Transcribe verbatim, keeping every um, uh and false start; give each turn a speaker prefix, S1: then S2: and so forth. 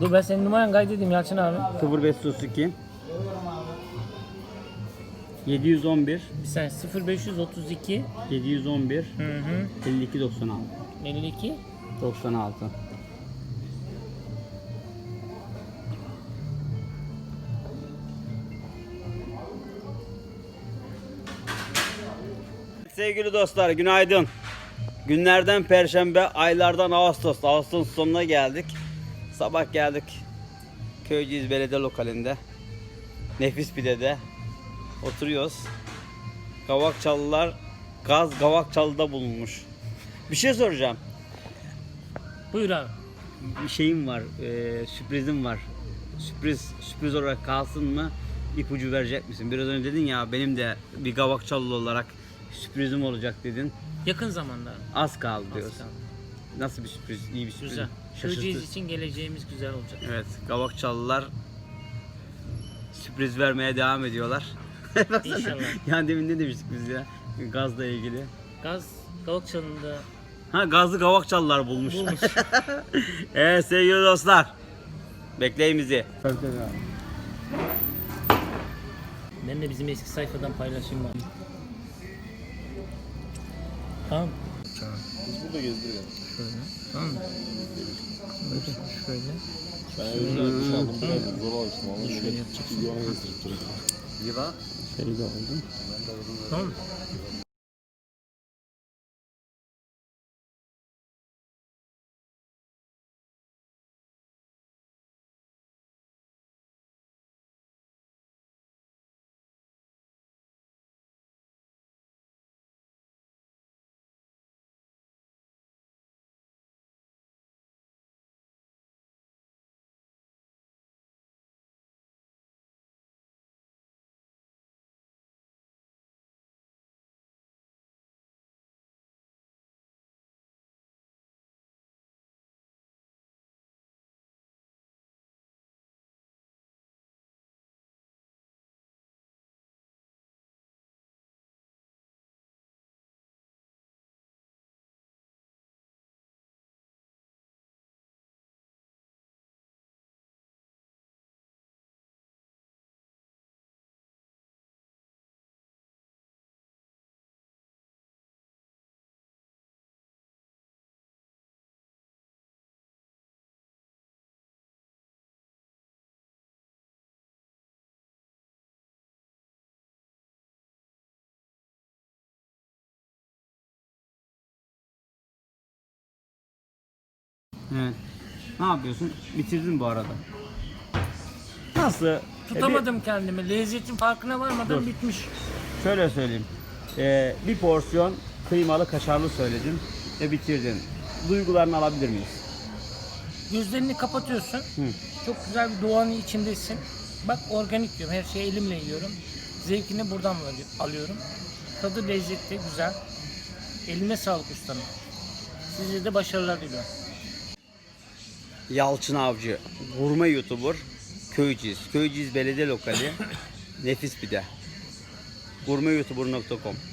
S1: Dur ben senin numaranı kaydedeyim Yalçın abi.
S2: sıfır beş otuz iki yedi yüz on bir
S1: Bir saniye sıfır beş otuz iki
S2: yedi yüz on bir
S1: hı hı
S2: elli iki doksan altı
S1: elli iki
S2: doksan altı. Sevgili dostlar günaydın. Günlerden Perşembe, aylardan Ağustos. Ağustos sonuna geldik. Sabah geldik. Köyceğiz Belediye Lokalinde. Nefis Pide'de oturuyoruz. Gavakçalılar gaz Gavakçalı'da bulunmuş. Bir şey soracağım.
S1: Buyur abi.
S2: Bir şeyim var, e, sürprizim var. Sürpriz sürpriz olarak kalsın mı? İpucu verecek misin? Biraz önce dedin ya benim de bir Gavakçalı olarak sürprizim olacak dedin.
S1: Yakın zamanda.
S2: Az kaldı
S1: Az
S2: diyorsun.
S1: kaldı.
S2: Nasıl bir sürpriz? İyi bir sürpriz.
S1: Güzel.
S2: Şaşırtır.
S1: Köyceğiz için geleceğimiz güzel olacak.
S2: Evet, Gavakçalılar sürpriz vermeye devam ediyorlar.
S1: İnşallah.
S2: Yani demin ne demiştik biz ya? Gazla ilgili.
S1: Gaz Gavakçalı'nda
S2: Ha gazlı Gavakçalılar bulmuş.
S1: bulmuş.
S2: Evet sevgili dostlar. Bekleyin bizi.
S1: Ben de bizim eski sayfadan paylaşayım ben. Tamam.
S3: Biz burada gezdiriyoruz.
S1: Şöyle. Tamam mı? Böyle şöyle.
S3: Ben evimden duş aldım. Biraz zor alıştım ama.
S1: Şöyle yapacaksın.
S3: Videona gezdirip duruyorum.
S2: Yıla. Feride oldu.
S1: Tamam mı?
S2: Evet. Ne yapıyorsun? Bitirdin bu arada. Nasıl?
S1: Tutamadım kendimi. Lezzetin farkına varmadan
S2: Dur.
S1: bitmiş.
S2: E, bir- şöyle söyleyeyim. Ee, bir porsiyon kıymalı kaşarlı söyledin ve bitirdin. Duygularını alabilir miyiz?
S1: Gözlerini kapatıyorsun.
S2: Hı.
S1: Çok güzel bir doğanın içindesin. Bak organik diyorum. Her şeyi elimle yiyorum. Zevkini buradan alıyorum. Tadı lezzetli, güzel. Eline sağlık ustanım. Size de başarılar diliyorum.
S2: Yalçın Avcı, gurme YouTuber, Köyceğiz. Köyceğiz Belediye Lokali, Nefis Pide. gurme youtuber nokta com